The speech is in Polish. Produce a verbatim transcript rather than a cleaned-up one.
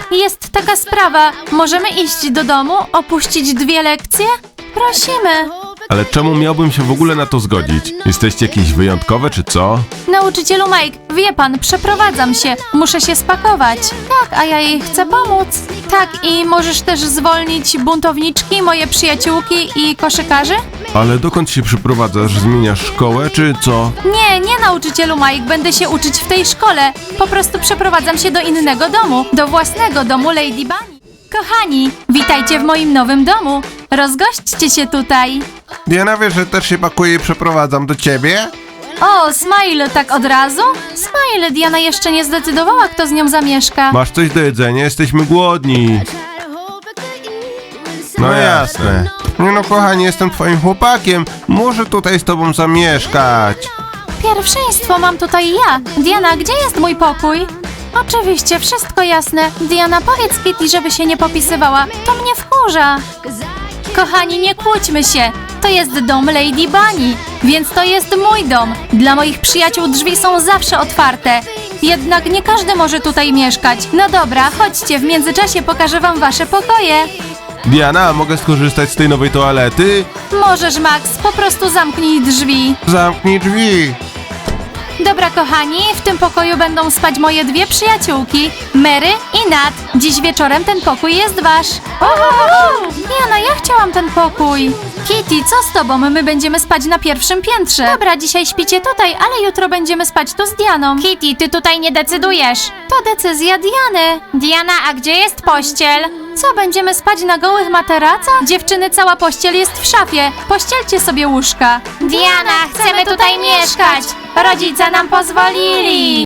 jest taka sprawa. Możemy iść do domu, opuścić dwie lekcje? Prosimy. Ale czemu miałbym się w ogóle na to zgodzić? Jesteście jakieś wyjątkowe czy co? Nauczycielu Mike, wie pan, przeprowadzam się. Muszę się spakować. Tak, a ja jej chcę pomóc. Tak, i możesz też zwolnić buntowniczki, moje przyjaciółki i koszykarzy? Ale dokąd się przyprowadzasz? Zmieniasz szkołę czy co? Nie, nie nauczycielu Mike, będę się uczyć w tej szkole. Po prostu przeprowadzam się do innego domu, do własnego domu Lady Bunny. Kochani, witajcie w moim nowym domu. Rozgośćcie się tutaj. Diana, wiesz, że też się pakuję i przeprowadzam do ciebie? O, Smile, tak od razu? Smile, Diana jeszcze nie zdecydowała, kto z nią zamieszka. Masz coś do jedzenia? Jesteśmy głodni. No jasne. Nie no, kochanie, jestem twoim chłopakiem. Muszę tutaj z tobą zamieszkać. Pierwszeństwo mam tutaj ja. Diana, gdzie jest mój pokój? Oczywiście, wszystko jasne. Diana, powiedz Kitty, żeby się nie popisywała. To mnie wkurza. Kochani, nie kłóćmy się. To jest dom Lady Bunny, więc to jest mój dom. Dla moich przyjaciół drzwi są zawsze otwarte. Jednak nie każdy może tutaj mieszkać. No dobra, chodźcie, w międzyczasie pokażę wam wasze pokoje. Diana, mogę skorzystać z tej nowej toalety? Możesz, Max, po prostu zamknij drzwi. Zamknij drzwi. Dobra, kochani, w tym pokoju będą spać moje dwie przyjaciółki, Mary i Nat. Dziś wieczorem ten pokój jest wasz. Jana, ja chciałam ten pokój. Kitty, co z tobą? My będziemy spać na pierwszym piętrze. Dobra, dzisiaj śpicie tutaj, ale jutro będziemy spać tu z Dianą. Kitty, ty tutaj nie decydujesz. To decyzja Diany. Diana, a gdzie jest pościel? Co, będziemy spać na gołych materacach? Dziewczyny, cała pościel jest w szafie. Pościelcie sobie łóżka. Diana, chcemy tutaj mieszkać. Rodzice nam pozwolili.